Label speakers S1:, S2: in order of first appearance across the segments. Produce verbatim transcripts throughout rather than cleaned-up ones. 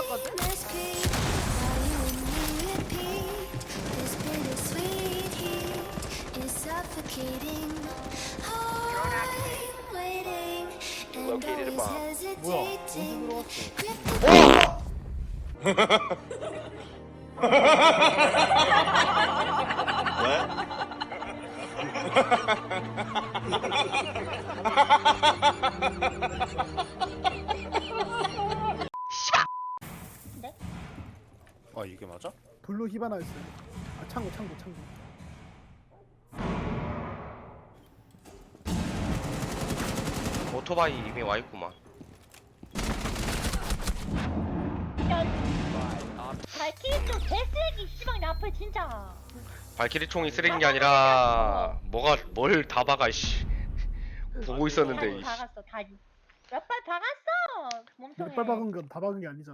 S1: 했거든?
S2: Located a bomb.
S3: 뭐야? 언제 들어왔어?
S4: 아 이게 맞아?
S5: 블루 히바나였어요. 아 창고 창고 창고.
S4: 오토바이 이미 와있구만.
S1: 발키리 좀 개쓰레기 씨발 내 앞에 진짜.
S4: 발키리 총이 쓰레기인 게 아니라 뭐가 뭘 다 박아 씨. 보고 있었는데
S1: 다리
S4: 이씨.
S1: 박았어 다리. 몇 발 박았어. 몸통에.
S5: 몇발 박은 건 다 박은 게 아니잖아.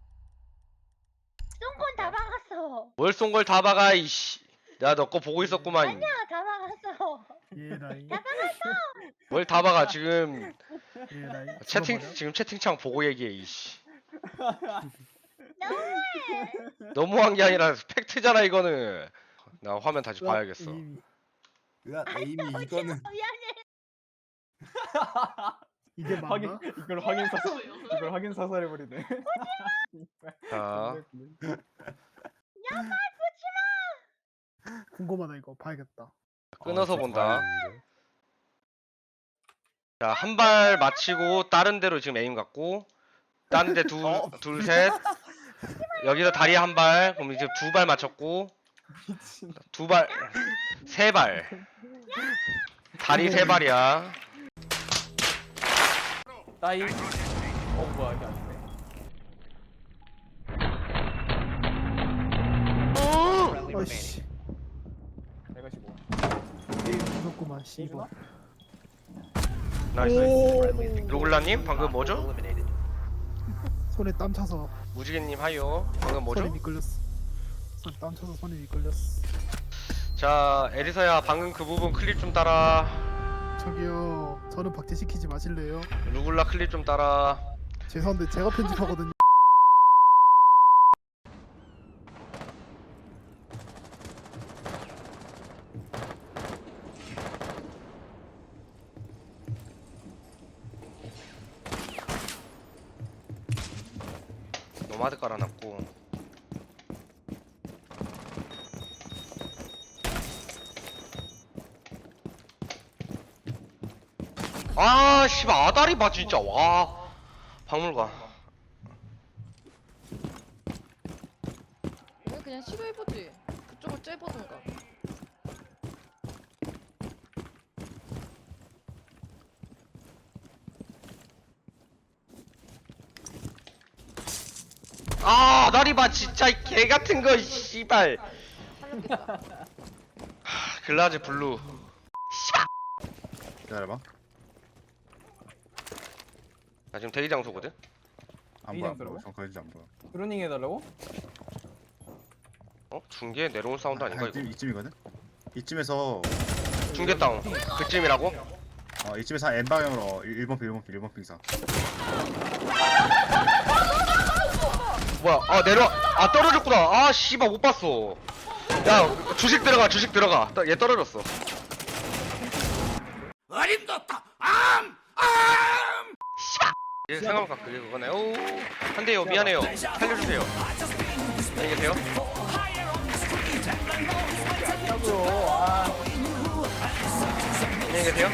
S1: 쏜건 다 박았어.
S4: 뭘 쏜 걸 다 박아 이씨. 내가 너 거 보고 있었구만.
S1: 아니야 다 박았어.
S5: 예 나이.
S1: 다 박았어.
S4: 뭘 다 박아 지금
S5: 예 나이.
S4: 채팅
S5: 죽어버려?
S4: 지금 채팅창 보고 얘기해 이씨.
S1: 너무해.
S4: 너무한 게 아니라 팩트잖아 이거는. 나 화면 다시
S5: 으악,
S4: 봐야겠어.
S5: 이미.
S6: 야 에이미 이거는
S1: 미안해.
S5: 이게 맞나?
S3: 확인 이걸 확인 사살 이걸 확인 사살해 버리네.
S4: 자
S5: 궁금하다 이거 봐야겠다.
S4: 끊어서 본다. 자 한 발 맞히고 다른 데로 지금 에임 갔고 다른 데
S3: 어.
S4: 둘 둘 셋 여기서 다리 한 발 그럼 이제 두 발 맞췄고
S3: 미친.
S4: 두 발 세 발 다리 세 발이야.
S3: 따이. 어 뭐야 이게 아니네.
S2: Friendly remaining.
S5: 어이씨.
S3: 내가 시고.
S5: 게임 무섭구만 씨발.
S4: 나이스.
S2: Friendly
S4: 루글라님 방금 뭐죠?
S2: eliminated.
S5: 손에 땀 차서
S4: 무지개님 하요. 방금
S5: 손에
S4: 뭐죠?
S5: 미끌렸어. 손에 땀 차서 손에 미끌렸어.
S4: 자 에리사야 방금 그 부분 클립 좀 따라.
S5: 저기요. 저는 박제시키지 마실래요?
S4: 루글라 클립 좀 따라.
S5: 죄송한데 제가 편집하거든요.
S4: 노마드 깔아놨고. 아 씨발 아다리 봐 진짜 와. 박물관.
S7: 왜 그냥 시도해보지. 그쪽을 째보든가.
S4: 아 아다리 봐 진짜 이 개 같은 거 씨발.
S7: 살렸겠다.
S4: 하, 글라즈 블루.
S6: 기다려봐.
S4: 나 지금 대기 장소거든.
S6: 안
S3: 이
S6: 보여 안
S3: 정도라고?
S6: 보여. 정까지 안 보여.
S3: 드로닝 해달라고?
S4: 어 중계 내려온 사운드 아닌가 이거?
S6: 이쯤, 이쯤이거든. 이쯤에서
S4: 중계 다운. 그쯤이라고?
S6: 어 이쯤에서 한 N 방향으로 일 번 핑 일 번 핑 일 번 핑사.
S4: 뭐야? 아 내려. 아 떨어졌구나. 아 씨발 못 봤어. 야 주식 들어가 주식 들어가. 떠- 얘 떨어졌어. 어림도다. 암 암. 씨발. 얘 생각보다 그게 그거네. 오. 한대요 미안해요. 살려주세요. 안녕히 계세요.
S3: 짜고요. 아.
S4: 안녕히 계세요.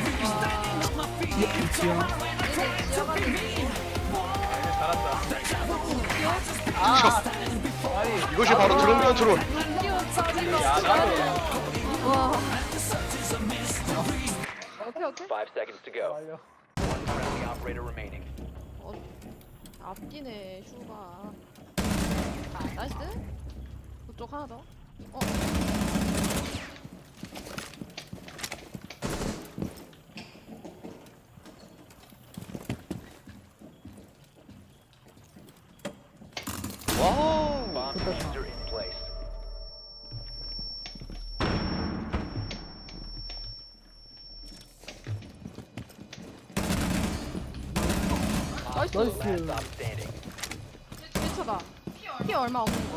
S5: 위치야.
S3: 잘한다.
S4: 아.
S3: 아니
S4: 이것이 바로 드론 컨트롤.
S3: 야 나도.
S7: 와. 오케이 오케이.
S2: Five seconds to go.
S3: 말려.
S2: One friendly operator remaining.
S7: 어, 앞뒤네 슈가. 나이스. 그쪽 하나 더. 어.
S4: 와우.
S2: Bomb diffuser in place.
S7: 나이스.
S5: 나이스.
S2: Last stop standing.
S7: 뒤에 차 봐봐. 피 얼마 없는 거.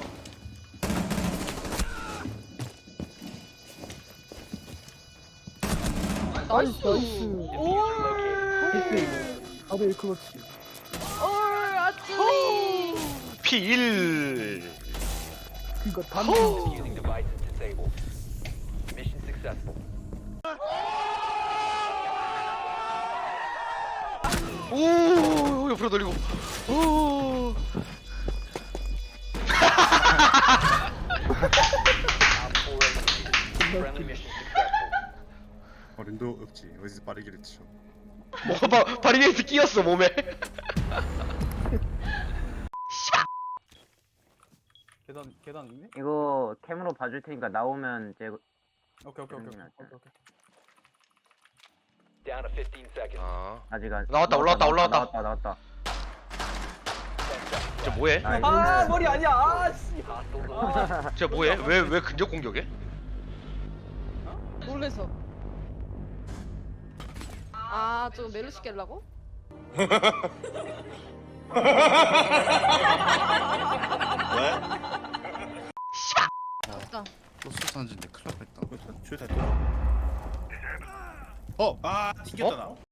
S7: 나이스.
S5: 나이스.
S2: Diffuser located.
S5: 나도 일 클러치.
S7: 올 아찔리.
S4: 피 일.
S5: 그니까 단
S2: Using devices disabled. Mission successful.
S4: 오 옆으로 돌리고. 오.
S2: Op four eliminated. Friendly mission successful.
S6: 어림도 없지. 어디서 빠르기를 쳐.
S4: 뭐 바, 바리게이트 끼었어 몸에.
S3: 계단 계단 있네?
S8: 이거 캠으로 봐줄 테니까 나오면 제
S3: 오케이 오케이 오케이 오케이
S8: 음,
S3: 오케이 오케이.
S2: Down to fifteen seconds.
S4: 아.
S8: 아직 안
S4: 나왔다, 올라왔다, 올라왔다.
S8: 나왔다 나왔다.
S4: 저 뭐해?
S8: 나이스.
S3: 아 머리 아니야. 아 씨.
S2: Hostiles eliminated.
S4: 저 뭐해? 왜 왜 근접 공격해?
S7: 놀래서. 아, 저 멜로시 깰라고? 없다.
S6: 소스 산지인데 큰일 날 뻔했다.
S9: 줄 다. 어, 아 튕겼잖아.